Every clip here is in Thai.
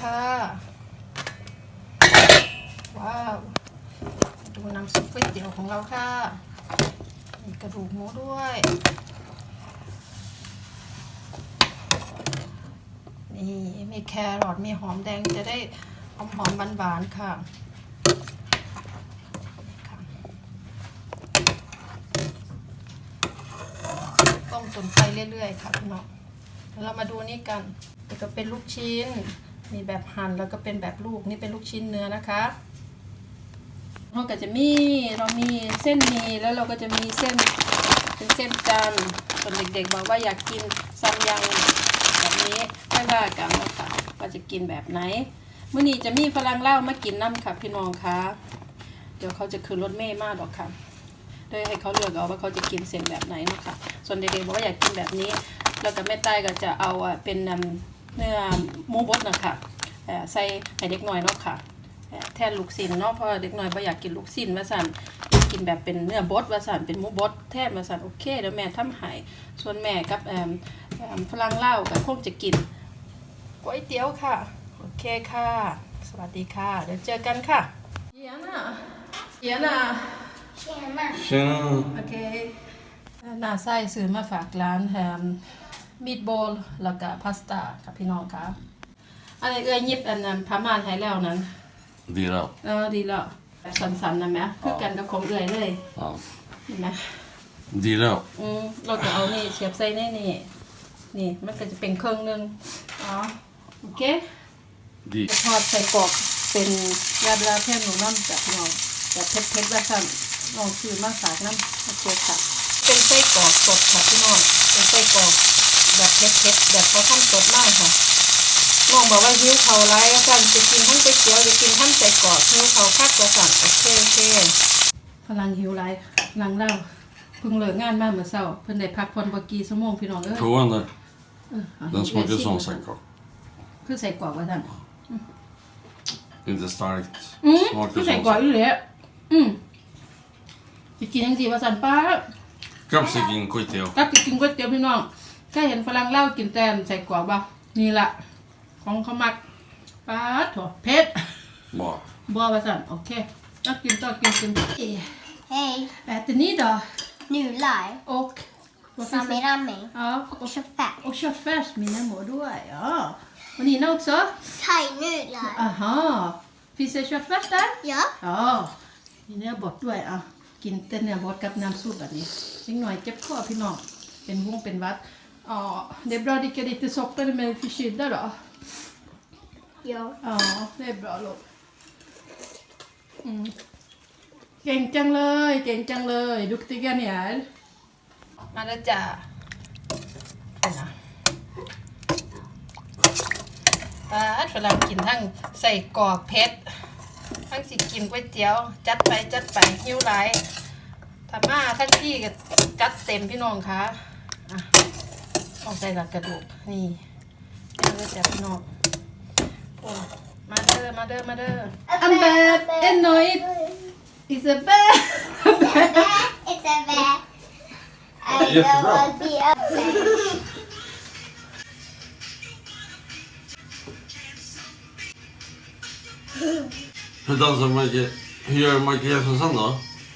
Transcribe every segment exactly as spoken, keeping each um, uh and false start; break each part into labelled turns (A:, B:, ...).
A: ค่ะว้าวดูน้ำซุปก๋วยเตี๋ยวของเราค่ะมีกระดูกหมูด้วยนี่มีแครอทมีหอมแดงจะได้หอมหอมหวานๆค่ะต้มจนไฟเรื่อยๆค่ะพี่น้องแล้วเรามาดูนี่กันนี่ก็เป็นลูกชิ้นมีแบบหั่นแล้วก็เป็นแบบลูกนี่เป็นลูกชิ้นเนื้อนะคะเราก็จะมีเรามีเส้นหมี่แล้วเราก็จะมีเส้นเป็นเส้นจันทร์ส่วนเด็กๆบอกว่าอยากกินซัมยังแบบนี้ไม่ว่ากันนะคะว่าจะกินแบบไหนเมื่อนี้จะมีฝรั่งเล่ามากินน้ำค่ะพี่น้องคะเดี๋ยวเขาจะคืนรถเมย์มากหรอกค่ะโดยให้เขาเลือกเอาว่าเขาจะกินเส้นแบบไหนนะคะส่วนเด็กๆบอกว่าอยากกินแบบนี้แล้วก็แม่ใต้ก็จะเอาเป็นเนื้อหมูบดนะคะใส่ให้เด็กน้อยเนาะค่ะแทนลูกชิ้นเนาะเพราะเด็กน้อยบ่อยากกินลูกชิ้นว่าสั่นกินแบบเป็นเนื้อบดว่าสั่นเป็นหมูบดแทนว่าสั่นโอเคเดี๋ยวแม่ทำให้ส่วนแม่กับฝรั่งเล่าก็คงจะกินก๋วยเตี๋ยวค่ะโอเคค่ะสวัสดีค่ะเดี๋ยวเจอกันค่ะเยียน่ะเยียน่ะ
B: เชียร์มา
C: เชียร์
A: โอเคน่าไส้ซื้อมาฝากร้านแฮมมีดบอลแล้วก็พาสต้ากับพี่น้องครับอันนี้เอ้ยยิบอันนั้นพามานให้แล้วนั้น
C: ดีแล้ว
A: เออดีแล้วแบบสันๆนะแม่คือกันกับของเอ้ยเลยเห็นไหม
C: ดีแล้ว
A: อืมเราจะเอานี่เสียบใส่ในนี่นี่มันก็จะเป็นเครื่องนึงอ๋อโอเค
C: ดี
A: ทอดใส่กรอกเป็นยาบลาเทมหนูน้ำจากน้องแบบเผ็ดๆว่าสั่นลองซื้อมาฝากน้ำโอเคค่ะเป็นไส้กรอกสดค่ะพี่น้องเป็นไส้กรอกแบบเผ็ดๆแบบเขาทำสดมากค่ะน้องบอกว่ายิ้วเขาร้ายว่าสั่นจะกินทั้งก๋วยเตี๋ยวจะกินทั้งไส้กรอกหิวเขาคักว่าสั่นโอเคโอเคพลังหิวไรลังเล่าเพิ่งเลิกงานมาเมื่อเช้าเพิ่นได้พักผ่อนบ่กี่ชั่วโมงพี่น้องเอ้ย
C: Prova den där. Den smakar som sänkor.
A: คือใส่กรอกว่าสั่น
C: Inte starkt.
A: อืมคือใส่กรอกอยู่เลยอืมจะกินยังสิว่าสั่นป้า
C: Kapsikinก๋วยเตี๋ยว
A: กับจะกินก๋วยเตี๋ยวพี่น้องแค่เห็นฝรั่งเล่ากินแตนใส่กรอกบ่นี่ล่ะของเขามักป้าถั่วเผ็ด
C: Bra.
A: บ่ว่าสั่นโอเคต้องกินต้องกินกิน
B: Hej,
A: äter ni då
B: nudlar,
A: och
B: salami
A: ja
B: och köttfärs.
A: och köttfärs mina mor då ja och Nina också
B: Thai-nudlar.
A: aha finns det köttfärs där
B: Ja.
A: jaมีเนื้อบดด้วยอ่ะกินแต่เนื้อบดกับน้ำซุปแบบนี้นิดหน่อยเจ็บคอพี่น้องเป็นวงเป็นวัดอ๋อdet är bra att dricka lite socker med förkylda då
B: Ja.
A: ja det är braลูกอืมเก่งจังเลยเก่งจังเลยดุกติกันเนี่ยมาแล้วจ้านะป้าฝรั่งกินทั้งใส่กรอกเพชรทั้งสิกินก๋วยเตี๋ยวจัดไปจัดไปหิวไหลถ้ามาทั้งที่ก็จัดเต็มพี่น้องค่ะอ่ะต้องใส่หลักกระดูกนี่มาเลยจ้ะพี่น้องโอ้มาเด้อมาเด้อมาเด้ออันแบบเอ็นน้อยIt's a bear.
B: It's a bear. I don't want to be a bear.
C: Hur dansar Michael? Hur gör Michael Jeppsson då?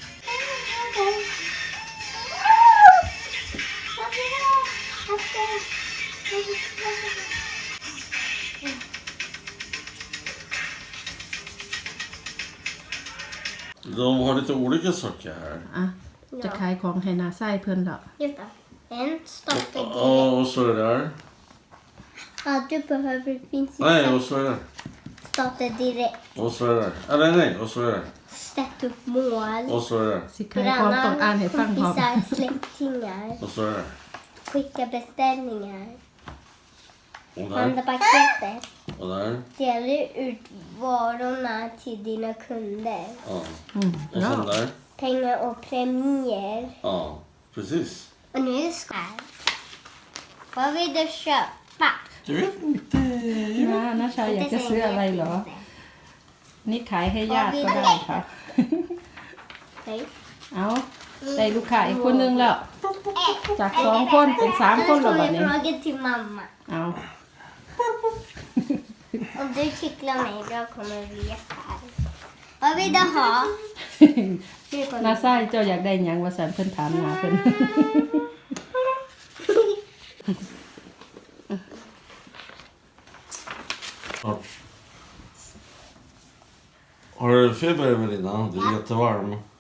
C: De har lite olika saker här.
A: อ่ะจะขายของให้นาไส้เพื่อนเหรอ
B: Vänta. En startar direkt.
C: Ja, och så är det där.
B: Ja, du behöver finns
C: Nej, och så är det där.
B: starta direkt.
C: Och så är det där. Eller nej, och så är det där.
B: Sätt upp mål.
C: Och så är det där.
A: สิขายของต้องอ่านให้ฟังพร้อม
B: kompisar, släktingar.
C: Och så är det där.
B: Skicka beställningar.
C: Och
B: Handla
C: där.
B: paketet.
C: Och där.
B: Dela ut varorna till dina kunder.
C: Ja.
A: อืม
C: Och
A: เนาะ
C: sen där.
B: Pengar och premier.
C: Ja, precis.
B: Och nu ska jag. Vad vill du köpa?
C: Jag vet inte.
A: นะนาชายอยากจะซื้ออะไรเหรอ นี่ขายให้ญาติก็ได้ค่ะ
B: Hej.
A: เอาได้ลูกค้าอีกคนนึงแล้ว จากสองคนเป็นสามคนแล้ว
B: Nu
A: บั
B: får
A: ด
B: jag
A: นี้
B: fråga till mamma.
A: เอา
B: Om du ticklar mig då kommer vi här. Vad vill du ha?
A: นาไส้เจ้าอยากได้หยังว่าสันเพิ่นถามนาเพิ่น
C: Har du feber Evelina? Du är jättevarm.